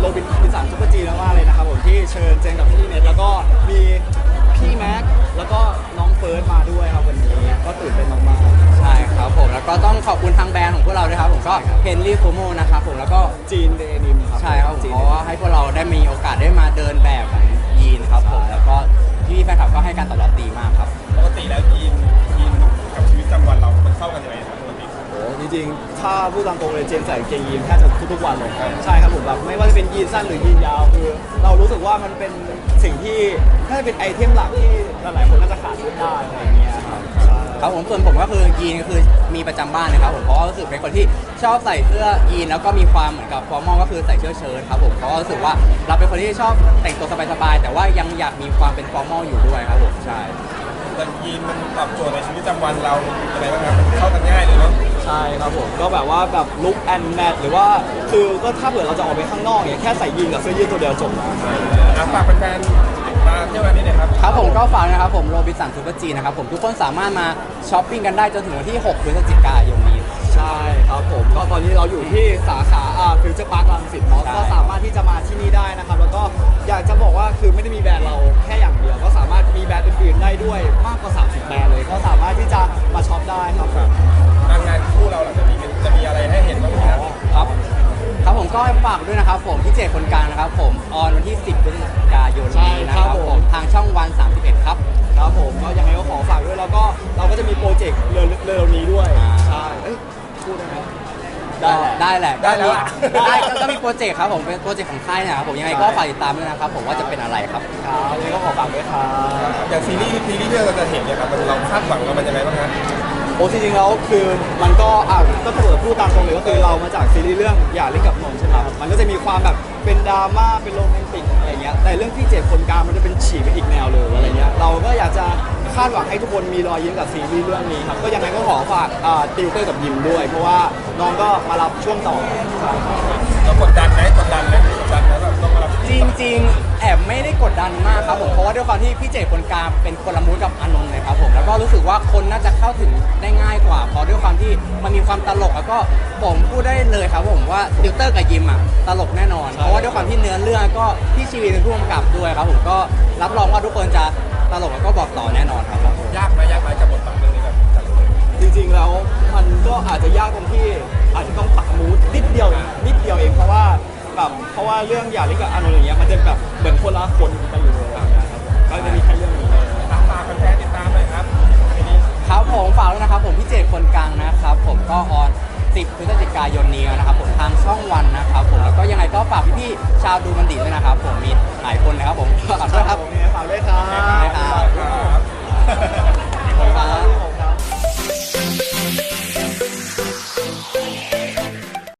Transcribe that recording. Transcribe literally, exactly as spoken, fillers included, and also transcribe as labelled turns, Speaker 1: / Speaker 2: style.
Speaker 1: บินบินสันซุปเปอร์จีมากๆเลยนะครับผมที่เชิญเจนกับพี่เน็ตแล้วก็มีพี่แม็กแล้วก็น้องเฟิร์สมาด้วยครับวันนี้ก็ตื่นเต้นมากๆ
Speaker 2: ใช่ครับผมแล้วก็ต้องขอบคุณทางแบรนด์ของพวกเราด้วยครับผมก็เฮนรี่โคโมนะครับผมแล้วก็
Speaker 1: จีนเดนิมครับ
Speaker 2: ใช่ครับเพราะว่าให้พวกเราได้มีโอกาสได้มาเดินแบบของยีนครับผมแล้วก็พี่แฟนคลับก็ให้การตอบรับดีมากครับ
Speaker 3: ปกติแล้วยีนยีนกับชีวิตประจำวันเรามันเข้ากันยังไงครับปกติ
Speaker 1: โอ้จริงๆถ้าพูดตามตรงเลยเจนใส่กางเกงยีนแทบจะทุกๆวันเลยใช่ครับผมแบบไม่ว่าจะเป็นยีนสั้นหรือยีนยาวคือเรารู้สึกว่ามันเป็นสิ่งที่น่าจะเป็นไอเทมหลักที่หลายๆคนน่าจะขาดไม่ได้อะไรอย่างเงี้ยครับ
Speaker 2: ครับผมส่วนผมก็คือยีนก็คือมีประจำบ้านนะครับผมเพราะว่ารู้สึกเป็นคนที่ชอบใส่เสื้อยีนแล้วก็มีความเหมือนกับฟอร์มอลก็คือใส่เสื้อเชิ้ตครับผมเพราะรู้สึกว่าเราเป็นคนที่ชอบแต่งตัวสบายๆแต่ว่ายังอยากมีความเป็นฟอร์มอลอยู่ด้วยครับผมใช่
Speaker 3: แต่ยีนมันตอบโจทย์ในชีวิตประจำวันเราอะไรบ้างครับเข้ากันง่ายเลยเนาะ
Speaker 1: ใช่ครับผมก็แบบว่าแบบลุคแอนด์แมทหรือว่าคือก็ถ้าเผื่อเราจะออกไปข้างนอกเนี่ยแค่ใส่ยีนกับเสื้อยืดตัวเดียวจบ
Speaker 3: นะฝากแฟนๆมาเที่ยววันนี้หน่อยครับ
Speaker 2: ครับผมก็ฝากนะครับผมโรบินสันซูเปอร์จีนะครับผมทุกคนสามารถมาช้อปปิ้งกันได้จนถึงวันที่หกพฤศจิกายนนี้
Speaker 1: ใช่ครับผมก็ตอนนี้เราอยู่ที่สาขาอ่าฟิวเจอร์พาร์ครังสิตเนาะก็สามารถที่จะมาที่นี่ได้นะครับแล้วก็อยากจะบอกว่าคือไม่ได้มีแบรนด์เราแค่อย่างเดียวก็สามารถมีแบรนด์อื่นๆได้ด้วยมากกว่าสามสิบแบรนด์เลยก็สามารถที่จะมาช็อปได้ครับ
Speaker 3: ทางงานคู่เราหลังจากนี้จะมีอะไรให้เห็นบ้างไหมครับ
Speaker 2: ครับครับผมก็ฝากด้วยนะครับผมพี่เจคนกลางนะครับผมออนวันที่สิบพฤศจิกายนนี้นะครับผมทางช่องวันสามสิบเอ็ดครับ
Speaker 1: ครับผมก็ยังไงก็ขอฝากด้วยแล้วก็เราก็จะมีโปรเจกต์เร็วๆนี้ด้วยใช่พูดได้ไหม
Speaker 2: ได้แหละ
Speaker 3: ได้แล้ว
Speaker 2: ได้ก็มีโปรเจกต์ครับผมเป็นโปรเจกต์ของค่ายนะครับผมยังไงก็ฝากติดตามด้วยนะครับผมว่าจะเป็นอะไรครับ
Speaker 1: ครับยังไงก็ขอฝากด้วยครับ
Speaker 3: อย่างซีรีส์ซีรีส์ที่เราจะเห็นเนี่ยครับเราคาดหวังกับมันยังไงบ้างครับ
Speaker 1: โอ้จริงๆแล้วคือมันก็อ่ะก็เปิดพูดตามตรงเลยก็คือเรามาจากซีรีส์เรื่องอย่าเล่นกับนมใช่ไหมครับมันก็จะมีความแบบเป็นดราม่าเป็นโรแมนติกอะไรเงี้ยแต่เรื่องที่เจ็บคนกลางมันจะเป็นฉีกไปอีกแนวเลยอะไรเงี้ยเราก็อยากจะคาดหวังให้ทุกคนมีรอยยิ้มกับซีรีส์เรื่องนี้ครับก็ยังไงก็ขอฝากอ่าติวเตอร์กับยิมด้วยเพราะว่าน้องก็มารับช่วงต่อ
Speaker 3: เรากดดันไหมกดดันไหมกดดันไหมแบบต้องมารับ
Speaker 2: จริงๆแอบไม่ได้กดดันมากครับผมเพราะว่าด้วยความที่พี่เจคนกลางเป็นคนละมูดกับอานนท์เลยครับผมแล้วก็รู้สึกว่าคนน่าจะเข้าถึงได้ง่ายกว่าเพราะด้วยความที่มันมีความตลกแล้วก็ผมพูดได้เลยครับผมว่าติวเตอร์กับยิมอ่ะตลกแน่นอนเพราะว่าด้วยความที่เนื้อเรื่องก็พี่ชีวีเป็นผู้กำกับด้วยครับผมก็รับรองว่าทุกคนจะตลกแล้วก็บอกต่อแน่นอนครับ
Speaker 3: ยากไหมยากไหมกับบทบาทเรื่องนี้แบบ
Speaker 1: จริงๆแล้วมันก็อาจจะยากตรงที่อาจจะต้องปรับมูดนิดเดียวนิดเดียวเองเพราะว่าแบบเพราะว่าเรื่องอย่าเล่นกับอานนท์อย่างเงี้ยมันจะแบบเหมือนคนละคนกันอยู่เลยครับก็จะมีแค่เรื่องนี้
Speaker 3: ฝากแฟนๆติดตามเลยครับ
Speaker 2: ครับผมฝากด้วยนะครับผมพี่เจคนกลางนะครับผมก็ออนสิบพฤศจิกายนนี้นะครับผมทางช่องวันนะครับผมแล้วก็ยังไงก็ฝากพี่ๆชาวดูมันดีด้วยนะครับผมมีหลายคนนะครับผมฝากด้วย